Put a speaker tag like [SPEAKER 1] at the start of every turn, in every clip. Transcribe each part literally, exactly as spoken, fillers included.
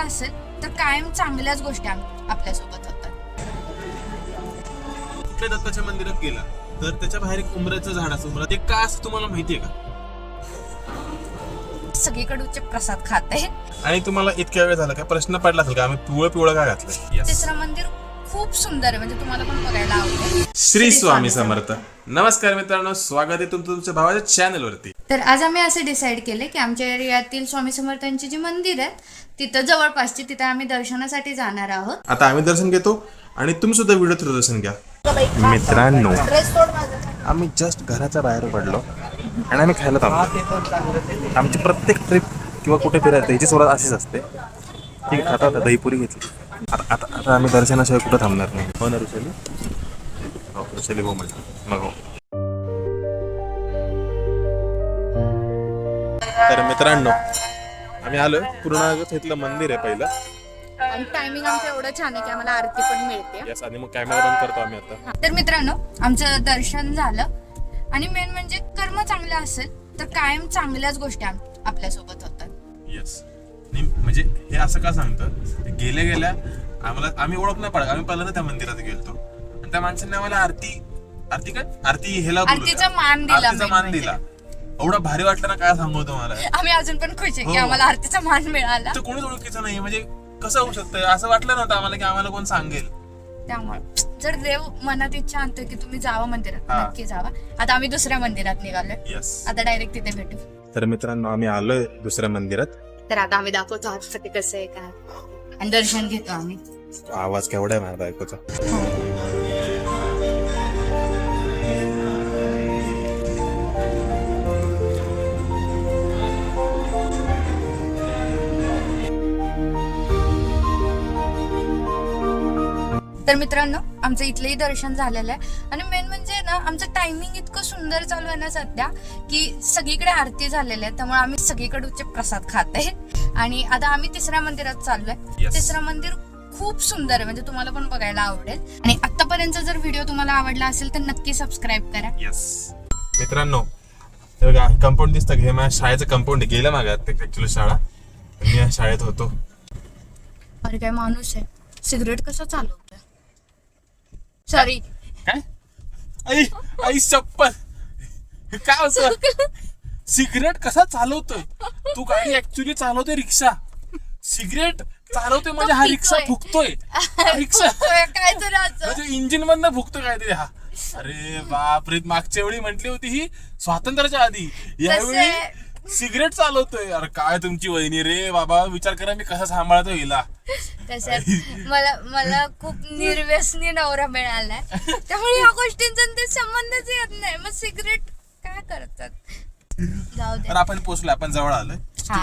[SPEAKER 1] असेल तर कायम चांगल्याच गोष्टी आपल्यासोबत होतात.
[SPEAKER 2] कुठल्या दत्ताच्या मंदिरात गेला तर त्याच्या बाहेर एक उंबऱ्याचं झाड असतं. उंबरा ते का असं तुम्हाला माहितीये का?
[SPEAKER 1] सगळीकडचे प्रसाद खाते.
[SPEAKER 2] आणि तुम्हाला इतक्या वेळ झाला का प्रश्न पडला असेल का आम्ही पिवळं पिवळं का घातलंय?
[SPEAKER 1] तिसरं मंदिर खूप सुंदर आहे, म्हणजे तुम्हाला पण बघायला आवडेल.
[SPEAKER 2] श्री स्वामी समर्थ. नमस्कार मित्रांनो, स्वागत आहे तुमचं तुमच्या भावाच्या चॅनल वरती.
[SPEAKER 1] तर आज आम्ही असे डिसाईड केले की आमच्या एरियातील स्वामी समर्थांची जी मंदिर आहेत तिथं जवळपासची तिथं आम्ही दर्शनासाठी जाणार आहोत.
[SPEAKER 2] आता आम्ही दर्शन घेतो आणि तुम्ही सुद्धा व्हिडिओ थ्रू दर्शन घ्या. मित्रांनो, आम्ही जस्ट घराच्या बाहेर पडलो आणि आम्ही खायला थांबलो. आमची प्रत्येक ट्रिप किंवा कुठे फिरायचं याची सुरुवात अशीच असते. ठीक आहे, आता आता दहीपुरी घेतली. आता आता आता आम्ही दर्शनाशिवाय कुठं थांबणार नाही. हो ना ऋषाली? हो ऋषाली, हो म्हटलं मग हो. तर मित्रांनो, आम्ही आलोय पूर्णागत इथलं मंदिर आहे पहिलं.
[SPEAKER 1] आणि टायमिंग आमचं एवढं छान आहे की आम्हाला आरती पण मिळते.
[SPEAKER 2] यस, आणि मग कॅमेरा बंद करतो आम्ही आता.
[SPEAKER 1] तर मित्रांनो, आमचं दर्शन झालं आणि मेन म्हणजे कर्म चांगलं असेल तर कायम चांगल्याच गोष्टी आपल्यासोबत होतात.
[SPEAKER 2] येस, म्हणजे हे असं का सांगतं, गेल्या गेल्या आम्हाला आम्ही ओळख नाही पडत. आम्ही पहिल्यांदा त्या मंदिरात गेलतो आणि त्या माणसाने आम्हाला आरती आरती काय आरती हेला
[SPEAKER 1] आरतीचा मान दिला.
[SPEAKER 2] आरतीचा मान दिला. एवढा भारी वाटलं ना, काय सांगू तुम्हाला.
[SPEAKER 1] आम्ही अजून पण खुश आहे की आम्हाला आरतीचा मान मिळाला.
[SPEAKER 2] तर कोणीच ओळखीचं नाही, म्हणजे कसं होऊ शकतं असं वाटलं नव्हतं आम्हाला की आम्हाला कोण सांगेल.
[SPEAKER 1] त्यामुळे जर देव मनात इच्छा आणतो की तुम्ही जावा मंदिरात, नक्की जावा. आता आम्ही दुसऱ्या मंदिरात निघालोय.
[SPEAKER 2] यस,
[SPEAKER 1] आता डायरेक्ट तिथे भेटू.
[SPEAKER 2] तर मित्रांनो, आम्ही आलोय दुसऱ्या मंदिरात.
[SPEAKER 1] तर आता आम्ही दाखवतो आतमध्ये कसं आहे काय आणि दर्शन घेतो आम्ही.
[SPEAKER 2] आवाज केवढा आहे माझ्या बायकोचा.
[SPEAKER 1] तर मित्रांनो, आमचं इथलंही दर्शन झालेलं आहे आणि मेन म्हणजे ना, आमचं टायमिंग इतकं सुंदर चालू आहे ना सध्या की सगळीकडे आरती झालेली आहे, त्यामुळे आम्ही सगळीकडचे प्रसाद खात आहे. आणि आता आम्ही तिसऱ्या मंदिरात चाललोय. तिसरं मंदिर खूप सुंदर आहे, म्हणजे तुम्हाला पण बघायला आवडेल. आणि आतापर्यंत जर व्हिडिओ तुम्हाला आवडला असेल तर नक्की सबस्क्राईब करा.
[SPEAKER 2] येस मित्रांनो, हे बघा कंपाऊंड दिसतं. हे माझ्या शाळेचं कंपाऊंड गेलं मागं. ऍक्च्युली शाळा मी या शाळेत होतो.
[SPEAKER 1] अरे काय माणूस आहे, सिगरेट कसं चालवतोय. सॉरी,
[SPEAKER 2] काय आई आई चप्पल काय होतं. सिगरेट कसा चालवतोय तू? गाडी ऍक्च्युली चालवतोय रिक्षा. सिगरेट चालवतोय म्हणजे हा रिक्षा फुकतोय. रिक्षा
[SPEAKER 1] काय तर
[SPEAKER 2] म्हणजे इंजिन मधनं फुकतोय काहीतरी. हा अरे बापरे, मागच्या वेळी म्हटली होती ही स्वातंत्र्याच्या आधी, यावेळी सिगरेट चालवतोय. अरे काय तुमची वहिनी रे बाबा, विचार करा मी कसा सांभाळतो हिला.
[SPEAKER 1] मला मला खूप निर्व्यसनी नवरा मिळालाय, त्यामुळे या गोष्टींचा ते संबंधच येत नाही. मग सिगरेट काय करतात. जाऊ दे.
[SPEAKER 2] तर आपण पोहोचलो, आपण जवळ आलोय.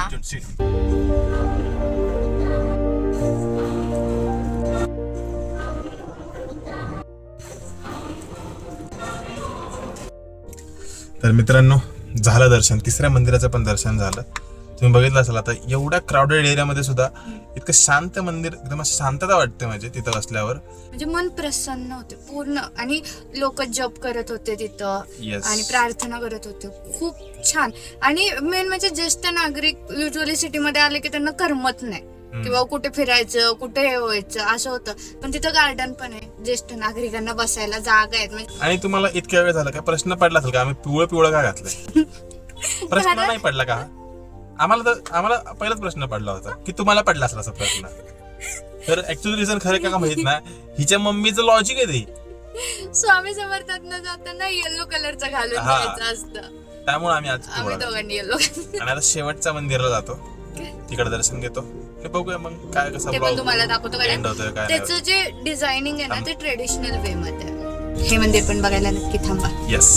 [SPEAKER 2] तर मित्रांनो, झालं दर्शन. तिसऱ्या मंदिराचं पण दर्शन झालं. तुम्ही बघितलं असाल आता एवढ्या क्राऊडेड एरियामध्ये सुद्धा इतकं शांत मंदिर, एकदम शांतता वाटते म्हणजे तिथं बसल्यावर.
[SPEAKER 1] म्हणजे मन प्रसन्न होते पूर्ण. आणि लोक जप करत होते तिथं.
[SPEAKER 2] Yes.
[SPEAKER 1] आणि प्रार्थना करत होते. खूप छान. आणि मेन म्हणजे ज्येष्ठ नागरिक युजली सिटीमध्ये आले की त्यांना करमत नाही किंवा कुठे फिरायचं, कुठे हे व्हायचं असं होतं. पण तिथं गार्डन पण आहे, ज्येष्ठ नागरिकांना बसायला जागा आहेत. म्हणजे
[SPEAKER 2] आणि तुम्हाला इतक्या वेळ झाला का प्रश्न पडला असेल का आम्ही पिवळं पिवळं का घातलंय? प्रश्न नाही पडला का? आम्हाला तर आम्हाला पहिलाच प्रश्न पडला होता की तुम्हाला पडला असेल असा प्रश्न. तर ऍक्च्युअली रिझन खरं का माहित नाही, हिच्या मम्मीचं लॉजिक आहे ते.
[SPEAKER 1] स्वामी समर्थांना जाताना येलो कलरचं घालून जायचं असतं,
[SPEAKER 2] त्यामुळे आम्ही आज
[SPEAKER 1] आम्ही दोघांनी येलो.
[SPEAKER 2] आणि आता शेवटच्या मंदिराला जातो, तिकडे दर्शन घेतो. हे बघूया मग काय कसं
[SPEAKER 1] ते पण तुम्हाला दाखवतो.
[SPEAKER 2] एंड होतोय काय.
[SPEAKER 1] त्याचं जे डिझायनिंग आहे ना ते ट्रेडिशनल वे मध्ये. हे मंदिर पण बघायला नक्की थांबा.
[SPEAKER 2] येस.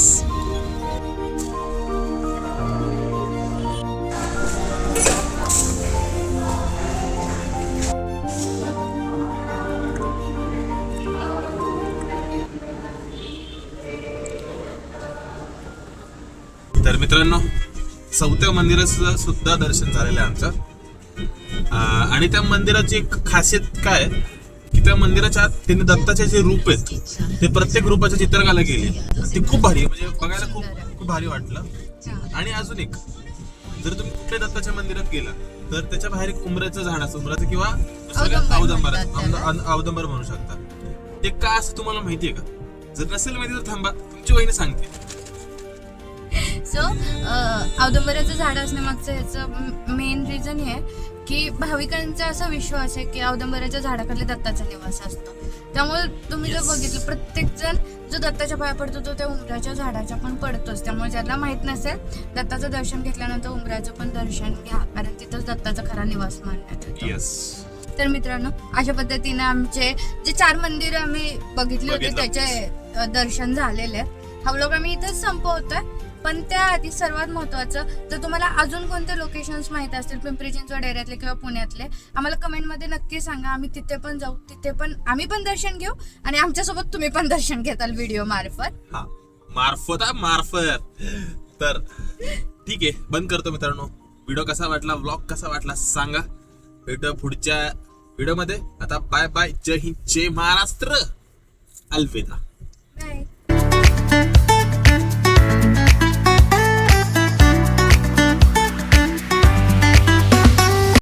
[SPEAKER 2] तर मित्रांनो, चौथ्या मंदिराचं सुद्धा दर्शन झालेलं आहे आमचं. आणि त्या मंदिराची एक खासियत काय की त्या मंदिराच्या आत त्यांनी दत्ताचे जे रूप आहेत ते प्रत्येक रूपाची चित्रकला केली. ती खूप भारी, म्हणजे बघायला खूप खूप भारी वाटलं. आणि अजून एक, जर तुम्ही कुठल्या दत्ताच्या मंदिरात गेला तर त्याच्या बाहेर एक उंबऱ्याचं झाड असतं, उंबराचं किंवा
[SPEAKER 1] औदुंबर
[SPEAKER 2] औदंबर
[SPEAKER 1] म्हणतात त्याला.
[SPEAKER 2] औदंबर म्हणू शकता. ते का असं तुम्हाला माहितीये का? जर नसेल माहिती तर थांबा, तुमची वहिनी सांगते.
[SPEAKER 1] सो औदुंबराचं झाड असण्यामागचं ह्याचं मेन रिझन हे आहे की भाविकांचा असा विश्वास आहे की औदुंबराच्या झाडाखाली दत्ताचा निवास असतो. त्यामुळे तुम्ही जर बघितलं, प्रत्येक जण जो दत्ताच्या पाया पडतो तो त्या उंबराच्या झाडाच्या पण पडतोच. त्यामुळे ज्याला माहित नसेल, दत्ताचं दर्शन घेतल्यानंतर उंबराचं पण दर्शन घ्या, कारण तिथंच दत्ताचा खरा निवास मानण्यात येतो.
[SPEAKER 2] येस.
[SPEAKER 1] तर मित्रांनो, अशा पद्धतीने आमचे जे चार मंदिर आम्ही बघितली होती
[SPEAKER 2] बघितलं.
[SPEAKER 1] त्याचे अ, दर्शन झालेले आहेत. हा व्लॉग आम्ही इथंच संपवतोय. पण त्याआधी सर्वात महत्वाचं, जर तुम्हाला अजून कोणते लोकेशन्स माहित असतील पिंपरी चिंचवड एरियातले किंवा पुण्यातले, आम्हाला कमेंटमध्ये नक्की सांगा. आम्ही तिथे पण जाऊ, तिथे पण आम्ही पण दर्शन घेऊ आणि आमच्यासोबत तुम्ही पण दर्शन घेताल व्हिडिओ मार्फत.
[SPEAKER 2] हा, मार्फत हा, मार्फत. तर ठीक आहे, बंद करतो मित्रांनो. व्हिडिओ कसा वाटला, व्लॉग कसा वाटला सांगा. भेटू पुढच्या व्हिडिओ मध्ये. आता बाय बाय. जय हिंद, जय महाराष्ट्र. अलविदा.
[SPEAKER 1] बाय.